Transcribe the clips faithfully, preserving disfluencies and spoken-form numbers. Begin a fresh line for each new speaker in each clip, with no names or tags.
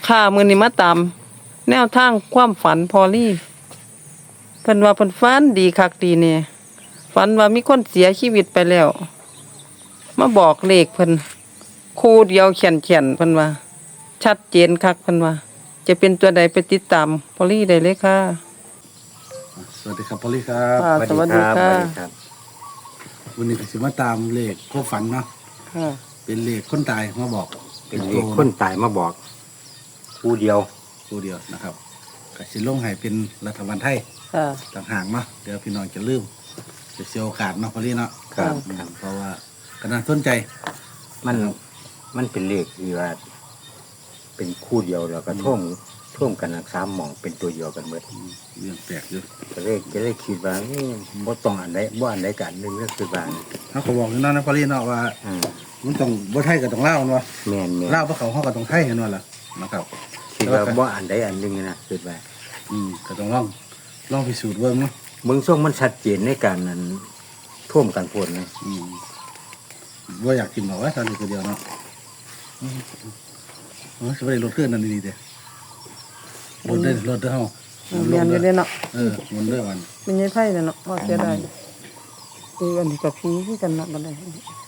ค่ะมื้อนี้มาตามแนวทางความฝันพอลี่เพิ่นว่าเพิ่นฝันดีคักดีแน่ฝันว่ามีคนเสียชีวิตไปแล้วมาบอกเลขเพิ่นคู่เดียวเขียนๆเพิ่นว่าชัดเจนคักเพิ่นว่าจะเป็นตัวใดไปติดตามพอลี่ได้เลยค่ะ
สวัสดีครับพอลลี่ครับ
ค่ะสวัสดีค่ะ
สวัสดีครับ
วันนี้ก็สิมาตามเลขพวกฝันเนาะ
ค่ะ
เป็นเลขคนตายมาบอก
เป็นเลขคนตายมาบอกผู้เดียว
ตัวเดียวนะครับก็สิลงให้เป็นรัฐบาลไทย
ค่ะ
ต่างหากเนาะเดี๋ยวพี่น้องจะลืมจะเสียโอกาสเนาะพอลลี่เนาะ
ครับ
อืมเพราะว่าก็น่าสนใจ
มันมันเป็นเลขที่ว่า เป็นคู่เดียวแล้วก็ท่วมท่วมกันทั้งสามหม่องเป็นตัวเดียวกันหมด
อืมเรื่องแปลกอยู่
ก็เลยก็เลยคิดว่าเอ้ยบ่ต้องอันใดบ่อันใดกันหนึงก็คือว่า
เขาก็บอกอยู่เนาะนะพอลลี่เนาะว่า
อ่า
มันต้องบ่ไทยกับต้องลาวมันวะ
แม่นแม่น
ลาวบ่เขาเขาก็ต้องไทยเห็นว่าล่ะนะครับ
คิดว่าบ่อันใดอันหนึงนะคือว่า
อืมก็ต้องลองลองพิสูจน์เบิ่งเนาะ
เบิ่งทรงมันชัดเจนในการนั้นท่วมกันโพดนะ
อืมว่าอยากกินบอกว่าตอนนี้ตัวเดียวเนาะอืมเออจะไปรถเครื่องนั่นดีๆเด้รถเด้อรถเด้อเฮา
เรียนอยู่เด้เนาะ
เออมันเด้อวัน
เป็นยายไผเนาะว่าเสียดายคืออันนี้ก็ผีคือกันเนาะบ่ได้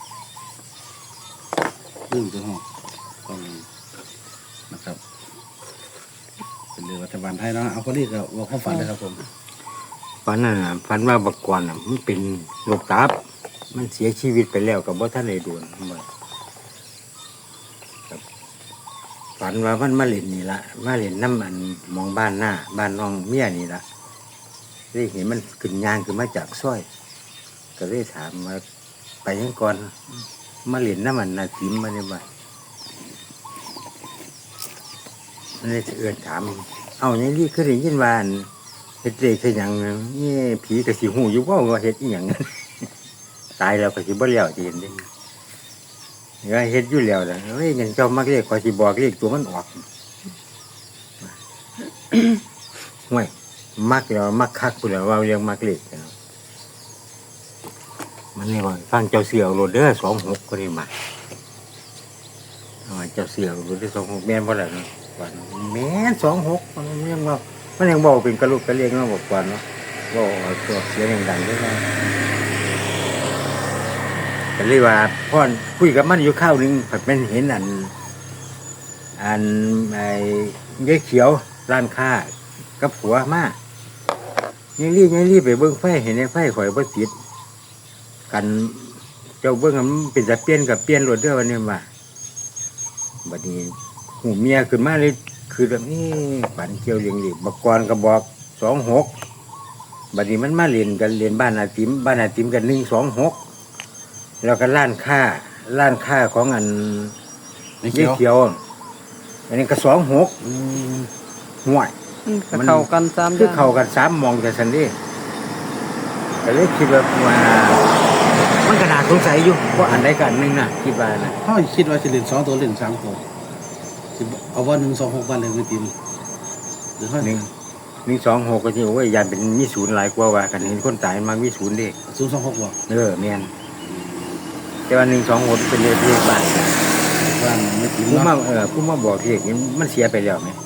ดื้อตัวเฮาต้องนะครับ เป็นเรื่องรัฐบาลไทยเนาะเอาคนนี้ก็ว่าความฝันเลยครับผม
ฝันน่ะฝันว่าบักกวนน่ะมันเป็นโรคตับ มันเสียชีวิตไปแล้วก็บ่ทันได้ด่วนว่า ฝันว่ามันมาเล่นนี่ละมาเล่นน้ำอันมองบ้านหน้า บ้านน้องเมียนี่ละได้เห็นมันขึ้นยางขึ้นมาจากซอย ก็เลยถามว่าไปยังก่อนมาเล่นน้ำมันนาจิมมาเนี่ยว่ามันเลยเอื้อนถาม เอาอย่างนี้คือได้ยินว่าอันเฮ็ดเลขคือหยังนี่ผีกระสีหูอยู่ว่าว่าเฮ็ดอีหยัง ตายแล้วก็สิบ่เลี้ยวจะเห็นเด้ก็เฮ็ดอยู่แล้วนะเฮ้ยเงินเจ้ามักเรียกขอสิบอกเรียกตัวมันออก ห่วยมักแล้วมักคักพุ่นแล้วว่าเรียกมักเรียกกันเนาะมันเลยว่าฟังเจ้าเสือเอาโรดเด้อสองหกก็ได้มาเอาว่าเจ้าเสือเอาโรดเด้อสองหกแม่นบ่ล่ะเนาะว่าแม่นสองหกมันยังว่ามันยังบอกเป็นกระลุกกระเลียงเนาะบอกก่อนเนาะว่าเอาตัวเสียงดังๆด้วยนะก็เลยว่าพ่อคุยกับมันอยู่ข้าวหนึงผัดมันเห็นอัน อันไอ้เย้เขียวร้านค้ากับผัวมายังรีบยังรีบไปเบิ้งไฟเห็นไอ้ไฟข่อยบ่ติดกันเจ้าเบิ้งมันเป็นตะเปลี่ยนกับเปลี่ยนรถเด้อวันนี้ว่าบัดนี้หูเมียขึ้นมาเลยคือแบบนี้ฝันเกี่ยวเลี้ยงดิบักกรก็บอกสองหกบัดนี้มันมาเรียนกันเรียนบ้านอาติมบ้านอาติมกันหนึ่งสองหกแล้วก็ร้านค้าร้านค้าของอัน
ไม่
เย้
เกี่ยว
เขียว อันนี้ก็สองหก
อืม
ห่วย
อืมก็เข้ากันสาม
คือ
อย่าง
เข้ากันสามมองแต่สันนี้ก็เลยคิดว่าว่ามันก็น่าสงสัยอยู่ว่าอันใดกันหนึ่งนะคิดว่านะ
เขาคิดว่าจะเล่นสองตัวเล่นสามตัวสิเอาว่าหนึ่งสองหกวันเลยไม่ตีมหรือว่า
หนึ่งหนึ่งสองหกก็ที่ว่ายันเป็นมีศูนย์หลายกว่าว่ากันเห็นคนตายมามีศูนย์เด้
ศูนย์สองหกบ่
เออแมนแต่ว่าหนึ่งสองหกเป็นเลขเลขบ้าน
ว่าไม่ตีม
ผู้มา
เนาะ
เออผู้มาบอกเลขนี้มันเสียไปแล้วไหม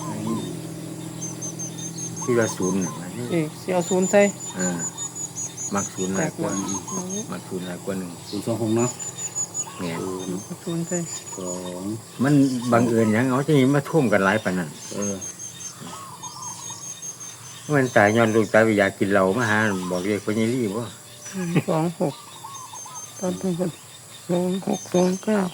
ที่ว่าศูนย์น่ะ
เอ้ยสิเอาศูนย์ใส่
เออมักศูนย์หลายกว่ามักศูนย์หลายกว่าหนึ่ง
ศูนย์สองหกเนาะ
แม่น
เอาศูนย์ใส่
สอง
มันบังเอิญหยังเอาจะมีมาท่วมกันหลายปานนั้น
เออ
มันตายย้อนลูกตายไปอยากกินเหล้ามาหาบอกเรียกพญาลี่บ่
สองหกตอนนี้ก็สองหกสองเก้า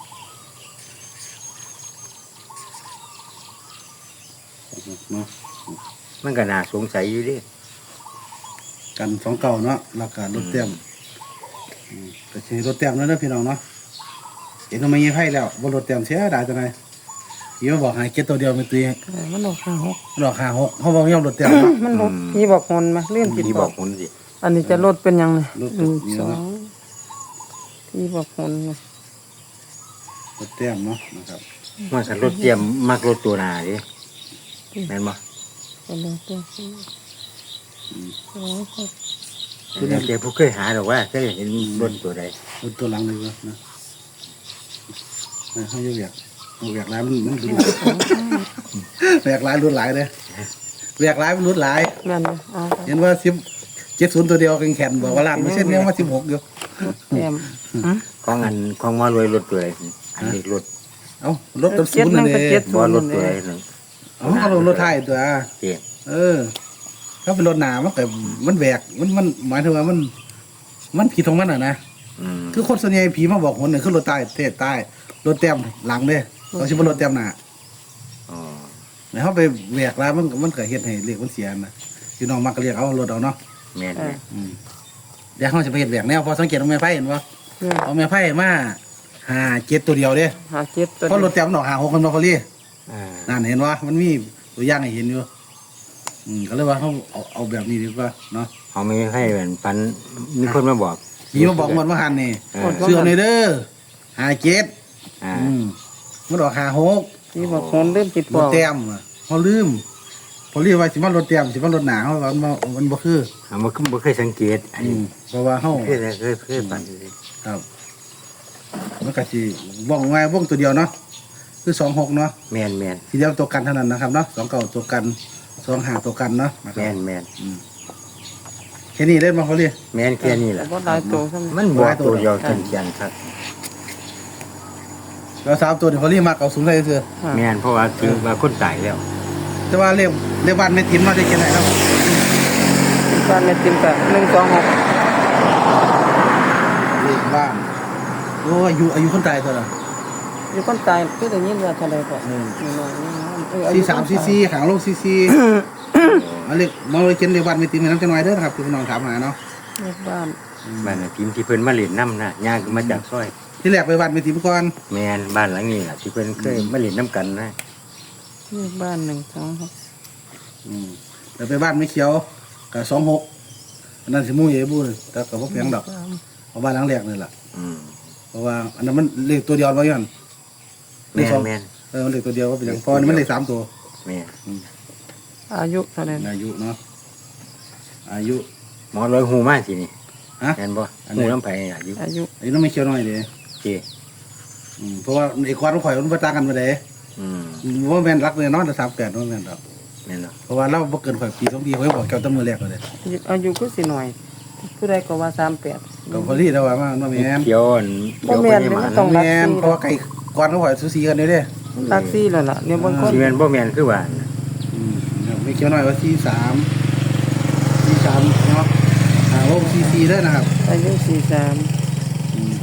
เนาะ
มันก็น่าสงสัยอยู่เดิ
กันสองเก่าเนาะราคารถเต็มอืมก็ใช้รถเต็มแล้วเด้อพี่น้องเนาะเห็นทำไมยังให้แล้วบนรถเต็มเสียดายจังไงยี่มาบอกให้เก็ตตัวเดียวไม่ตี
เออมันออกห้าหก
หลอกหาหกเขาบอกย่อมรถเต็มเนาะ
มันบอกพี่บอกคนมาเลื่อนผิด
ที่
บบ อ
อก กคนสิ
อันนี้จะลดเป็นยังไง
ลด
หนึ่ง
เป็นยัง
สอ
ไง
งพี่บอกคนไง
รถเต็มเนาะนะครับ
มันสันรถเตรียมมักรถตัวหนาดิแม่นบ่
ก็เลยตัวสี่สองหก
แต่ผู้เคยหาดอกว่าเคยเห็นรถตัวใด
รถตัวหลังเลยนะนะเขาจะเบียกเขาเบียกแล้วมันมันดู
อ
แหวกหลายรุ่นหลายเลยแหวกหลายรุ่นหลาย
แม่นบ่เอาครับ
เห็นว่าสิบเจ็ดศูนย์ตัวเดียวแข็งๆบอกว่าล้านไม่ใช่เนี่ยว่าสิบหกอยู่
แต้มอืม
ของอันของมารวยรถตัวอะไรอันนี้รถ
เอ้ารถตับศูนย์นั่นเอง
บ่รถตัวอะไรนึง
เอาเอารถรถไทยตัว
เจ๊
เออ ถ้าเป็นรถหนามันก็มันแหวกมันมันหมายถึงว่ามัน มันผิดของมันอ่ะนะ
อืม
คือคนส่วนใหญ่ผีมาบอกคนหนึ่งคือรถใต้เทศใต้รถเต็มหลังเด้เขาชิบรถเต็มหน้า
อ๋อ
แล้วเขาไปแหวกแล้วมันมันก็เฮ็ดให้เรียกมันเสียนะพี่น้องมักก็เรียกเอารถเอาเนาะ
แม่นแม่น
อืมเดี๋ยวเขาจะไปเฮ็ดแหวกแนวพอสังเกตเอาแม่ไพ่เห็นบ่
เนี่ย
เอาแม่ไพ่มาหาเจ็ดตัวเดียวเด้
หาเจ็ดตัว
เพราะรถเต็มมันออกหาหกกันบ่พอลี่
อ่า
นั่นเห็นว่ามันมีตัวอย่างให้เห็นอยู่อืมก็เลยว่าเขาเอาเอาแบบนี้ดีกว่าเนาะ
เขาไม่ให้เหมือนปันมีคนมาบอก
ผีมาบอกหมดว่าหันนี่
เออ
เสื้อในเด้อหาเจ็ด
อ่า
อืมมันออกหาหก
ที่บอกคนเริ่มติด
ร
บอ
ถ
ก
เต็มอะเขาลืมพอเรียกว่าสิมันรถเต็มสิมันรถหนาเขาว่ามันบ่มันบ่คือ
เขาบ่บ่เคยสังเกตอัน
อื
นี้
มเพราะว่าเขา
เคยเคยเคยปัน
ครับมันก็สิว่องไงว่องตัวเดียวเนาะคือสองหกเนาะ
แม่นแม่น
ทีเดียวตัวกันเท่านั้นนะครับเนาะสองเก่าตัวกันสองหาตัวกันเนาะนะครั
แม่
บ
นแม่น
อืมแค่นี้เล่นมาเขาเรียก
แม่นแค่นี้แหละ
บ่หลายตัวซ้ำ
มันบอกตัวเดียวเขียนๆครับ
แล้วสามตัวเดี๋ยวเขาเรียกมาเก่าสูงเลยเสือ
ค่ะ
แม่นเพราะว่าคือว่าคนตายแล้ว
แต่ว่าเรียกเรียกบ้านไม่ทิมเนาะได้แค่ไหนครับ
บ้านแม่ติมก็หนึ่งสองหก
เรียกบ้านโอ้อายุอายุคนตายตัวละ
อยู่คนตายคือได้ยินว่าเท่าใดก็
อืม
นี่น้อยนี่น้อยเอออายุ
ซีสามซีซีหางโลกซีซีมาเรียกมาเลยเขียนเรียกบ้านไม่ทิมให้น้ำจังหน่อยเด้อนะครับที่พี่น้องถามหาเนาะ
เลขบ้าน
บ้านน่ะทีมที่เพิ่นมาเล่นน้ำน่ะย่างขึ้นมาจากซอย
ที่แรกไปบ้านไม่ทิมก่อน
แม่นบ้านหลังนี้ล่ะที่เพิ่นเคยมาเล่นน้ำกันนะ
เลขบ้านหนึ่งสองหก
อืมแต่ไปบ้านไม่เขียวกับสองหกอันนั้นสิมู่เยบูเลยแต่กับพวกแพงดอก
สาม
เอาบ้านหลังแรกนี่แหละ
อืม
เพราะว่าอันนั้นมันเลขตัวเดียวไว้ยันเล
แม่
ขสอง
นแม่น
เออมันเลขตัวเดียวว่าเป็นอย่างพอนี่มันเลขสามตัว
แม่น
อายุเท่าใด
อายุเนาะอายุ
หมอร้อยหูมากทีนี่
ฮะ
แม่นบ่
อันไหน
หูน้ำไผ่อายุ
อายุ
อายุน้องไม่เขียวหน่อยเด้
เจ้
อืมเพราะว่าไอ้ควานของข่อยมันประตางกันมาเด้
อืม
ว่าแม่นรักเลยเนาะแต่สามแปดว่าแม่นดอก
แม่นเนาะ
เพราะว่าเราบ่เกินข่อยปีสองปีเขาบอกแก้วตั้งมือแรกเลย
อายุคือสิหน่อย ผู้ใดก็ว่าสามแปด
ก็พอดีแต่ว่ามันบ่แม่น
เขียวอัน
บ่
เขียว
แม่น
บ่
มั
ได้
นต้อง
มา
แม่นเพราะว่าไก่ควานของข่อยสูสีกันเด้เด้
ลักซี่แล้วล่ะเนี่ยบางคน
สิแม่นบ่แม่นคือว่า
อืมไม่เขียวหน่อยว่าสี่สามสี่สามเนาะอ่าโอ้สี่สี่เด้อนะครับ
อายุสี่สาม
อืม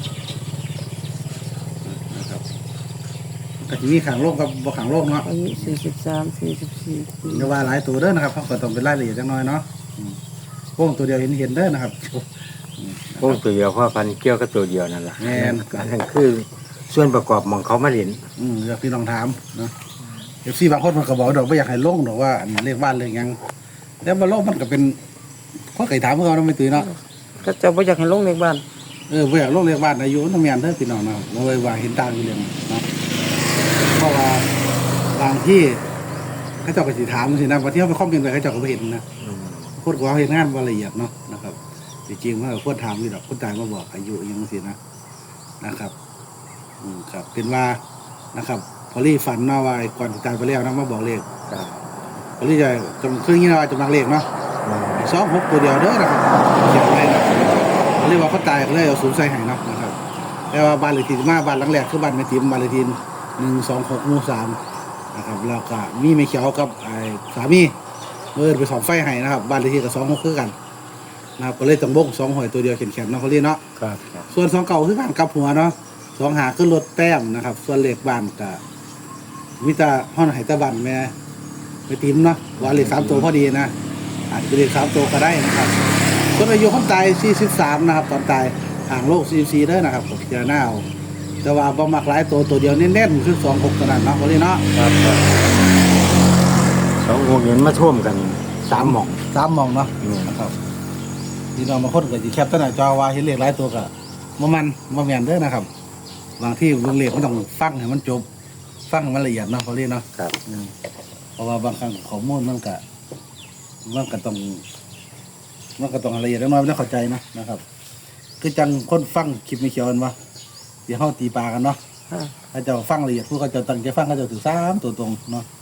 นะครับก็จะมีขังโลกกับบ่ขังโลกเนาะ
อายุสี่สิบสามสี่สิบสี่ปี
เดี๋ยวว่าหลายตัวเด้อนะครับเขาก็ต้องเป็นรายละเอียดจังน้อยเนาะอืมโป้งตัวเดียวเห็นเห็นๆเด้อนะครับ
พวกตัวเดียวเพราะพันเกี่ยวกับตัวเดียวนั่นล่ะ
แม่น
อันนั้นคือส่วนประกอบของเขามาเล่น
อืมอยากพี่ลองถามเนาะเอฟซีบางคนมันก็บอกดอกไม่อยากให้ลงดอกว่าอันนี้เลขบ้านเลขหยังแล้วมาลงมันก็เป็นข้อไก่ถามเพื่อนเราไม่ตื่นเนาะ
ก็จะบ่อยากให้ลงเลขบ้าน
เออไม่อยากลงเลขบ้านอายุต้องมีอันเด้อพี่น้องเนาะบ่เลยว่าเห็นต่างอยู่เรื่องเนาะเพราะว่าบางที่เขาเจ้าก็สิถามสินะบางที่เขาไปคอมเมนต์ไปเขาเจ้าก็ไม่เห็นนะ
อืม
คนก็เห็นงานบ่ละเอียดเนาะนะครับจริงๆว่าควรถามนี่ดอกคนตายมาบอกอายุอยังสินะนะครับอืมครับเป็นว่านะครับพอลี่ฝันเนาะว่าก่อนที่ตายไปแล้วนะมาบอกเลข
ครับ
พอลี่จะจำคืออย่างนี้นะจำลังเลขเนาะสองหกตัวเดียวเด้อนะครับเขียนไว้นะพอลี่ว่าเขาตายก็เลยเอาศูนย์ใส่ให้เนาะนะครับแต่ว่าบ้านเลขที่มาบ้านหลังแรกคือบ้านแม่ติ๋มบ้านเลขที่หนึ่งสองหกหมู่สามนะครับแล้วก็มีแม่เขียวกับไอ้สามีเมื่อไปสองไฟให้นะครับบ้านเลขที่กับสองหกคือกันนะครับก็เลยต้องบงสองหอยตัวเดียวเขียนๆเนาะเขาเรียกเนาะ
ครับครับ
ส่วนสองเก่าคือการกลับหัวเนาะสองหาขึ้นรถแต้มนะครับ ส่วนเลขบ้านกับวิตาห้องไหตะบันแม่ไปติ้มเนาะว่าเลขสามตัวพอดีนะอาจจะเป็นเลขสามตัวก็ได้นะครับส่วนอายุคนตายสี่สิบสามนะครับตอนตายห่างโลกสี่สิบสี่เด้อนะครับผมจะหน้าเอาแต่ว่าบ่มักหลายตัวตัวเดียวเน้นๆคือสองหกขนาดเนาะเขาเรียกเนาะ
ครับครับสองวงเงินมาท่วมกันสามหม่อง
สามหมองเนาะ
อืม
นะครับที่เรามาคนก็จะแคปตั้งแต่จอว่าเห็นเลขหลายตัวก็บ่มันบ่แม่นเด้อนะครับบางที่เรื่องเลขมันต้องฟังให้มันจบฟังให้มันละเอียดเนาะเขาเรียกเนาะ
ครับ
อืมเพราะว่าบางครั้งข้อมูลมันก็มันก็ต้องมันก็ต้องละเอียดน้อยไม่ต้องเข้าใจนะนะครับ คือจังคนฟังคลิปไม่เขียวกันวะเดี๋ยวเขาตีปลากันเนาะ
ค่ะ
ถ้าเจะฟังละเอียดผู้เขาเจะตั้งใจฟังเขาเจะถือสามตัวตรงเนาะ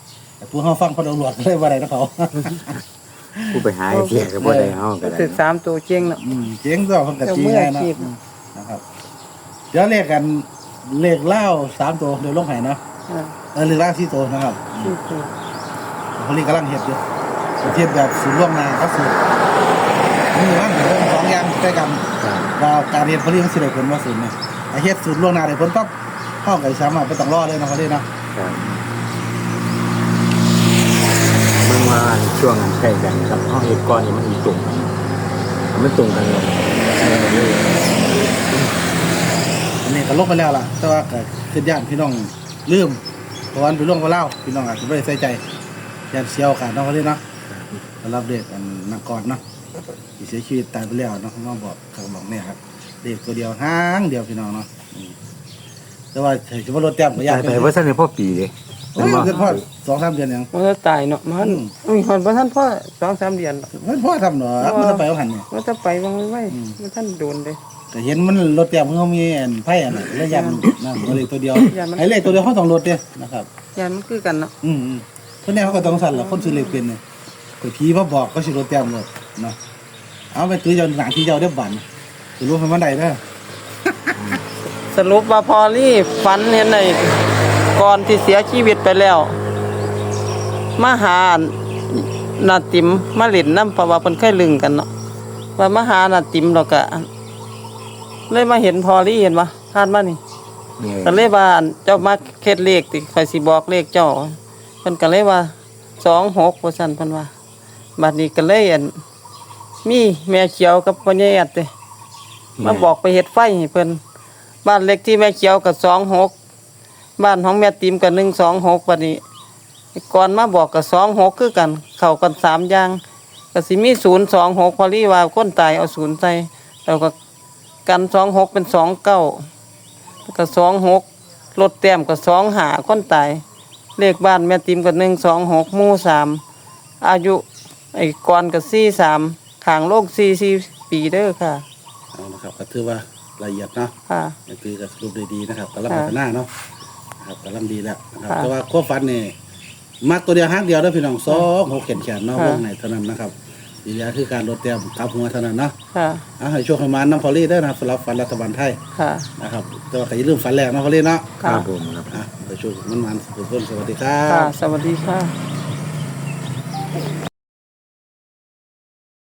แต่ผู้เฮาฟังพอตำรวจก็เลยว่าได้นะเขา
ผู้ไปหาไอ้เสียก็บ่ได้เฮาก็ได้
ถึกสามตัวเจ๊งเนาะ
อืมเจ๊งก็เพิ่นก็
เจ้า
จี
มือ
ไง
อา
เนาะ
ชีพ
อืมนะครับเดี๋ยวเลขกันเลขเล่าสามตัวเดี๋ยวลงให้เนาะ
อ่า
เออเลขเล่าสี่ตัวนะครับ
สี่ตัว
พอลีกำลังเฮ็ดอยู่เฮ็ดแบบสูตรล่วงหน้าครับสูตรมีว่าเดี๋ยวสองอย่างใกล้กัน
ครับ
ว่าการเฮ็ดพอลีมันสิได้ผลว่าสูตรเนี่ยไอ้เฮ็ดสูตรล่วงหน้าได้ผลปั๊บเฮาก็สามารถบ่ต้องรอเลยเนาะพอลีเนาะ
ครับมันมาช่วงใกล้กันครับเฮาเฮ็ดก่อนนี่มันอีตรงกันมันตรงกันเลย
อันนี้ก็ลงไปแล้วล่ะแต่ว่าก็คือญาติพี่น้องลืมเพราะวันเป็นล่วงว่าเล่าพี่น้องอาจจะบ่ได้ใส่ใจญาติเสียโอกาสเนาะพอลีเนาะสำหรับเด็กอันนักกอดเนาะที่เสียชีวิตตายไปแล้วเนาะเขามาบอกเขาบอกเนี่ยครับเด็กตัวเดียวหางเดียวพี่น้องเนาะอืมแต่ว่าถือว่ารถแต้มก็ยาก
แต่ไปว่าซั่นนี่พ่อปีเด้
โอ้ยเดือนพ่อสองสามเดือนยัง
มันจะตายเนาะมันอุ้ยฮอดบ่ทันพ่อสองสามเดือนเนาะ
มันพ่อทำเนาะมันจะไปเอาหันเนี่ย
มันจะไปวางไว้มันท่านโดนเลย
แต่เห็นมันรถแต้มเขามีอันไพ่อันนั้นแล้วยันนั่นก็เลยตัวเดียว
ยันมัน
ไอ้เลขตัวเดียวเขาต้องรถเนี่ยนะครับ
ยานมันคือกันเนาะ
อืมอืมเพราะเนี่ยเขาก็ต้องสั่นแหละคนซื้อเลขเป็นเนี่ยก็ผีมาบอกก็ซื้อรถแต้มหมดเนาะเอาไปตื้อเจ้าหนังที่เจ้าได้บันจะรู้มันวันใดเด้อ
สรุปว่าพอลี่ฝันเห็นในก่อนที่เสียชีวิตไปแล้วมาหานาติมมาเล่นน้ำเพราะว่าเพิ่นเคยลึงกันเนาะว่ามาหานาติมแล้วก็เลยมาเห็นพอลี่เห็นปะผ่านมานี่
นี่
ก็เลยว่าอั่นเจ้ามาเฮ็ดเลขติข่อยสิบอกเลขเจ้าเพิ่นก็เลยว่าสองหกว่าซั่นเพิ่นว่าบัดนี้ก็เลยอั่นมีแม่เขียวกับพ่อใหญ่อัดเด้มาบอกไปเฮ็ดไฟให้เพิ่นบ้านเลขที่แม่เขียวก็สองหกบ้านของแม่ติ๋มก็หนึ่งสองหกบัดนี้ก่อนมาบอกก็สองหกคือกันเข้ากันสามอย่างก็สิมีศูนย์สองหกพอลี่ว่าคนตายเอาศูนย์ใส่แล้วก็กันสองหกเป็นสองเก้า ก็สองหกรถแต้มก็สองหาคนตายเลขบ้านแม่ติมก็หนึ่งสองหกหมู่สามอายุไอ้กอนก็สี่สามขางโลกสี่สี่ปีเด้อค่ะ
เอานะครับก็ถือว่าละเอียดเนาะ
ค่ะ
นี่คือก็สรุปได้ดีนะครับกำลัง
ค่ะ
พัฒนาเนาะนะครับกำลังดีแล้วนะครับ
ค่ะ
แต่ว่าควบฟันนี่มักตัวเดียวห้างเดียวเด้อพี่น้องสองหกเขียนแขนเนาะ
ค่ะ
วงไหนเท่านั้นนะครับดีแล้วคือการลดเตรียมทับหัวเท่านั้นเนาะ
ค่ะ
เอาให้ช่วงประมาณน้ำพอลี่ได้อนะครับสำหรับฟันรัฐบาลไทย
ค่ะ
นะครับแต่ว่าก็อย่าลืมฟันแรกเนาะพอลี่เนาะ
ครับผมครับ
อ่ะไปช่วยมันมันทุกคนสวัสดีครั
ค่ะ
บ
สวัสดีค่ะ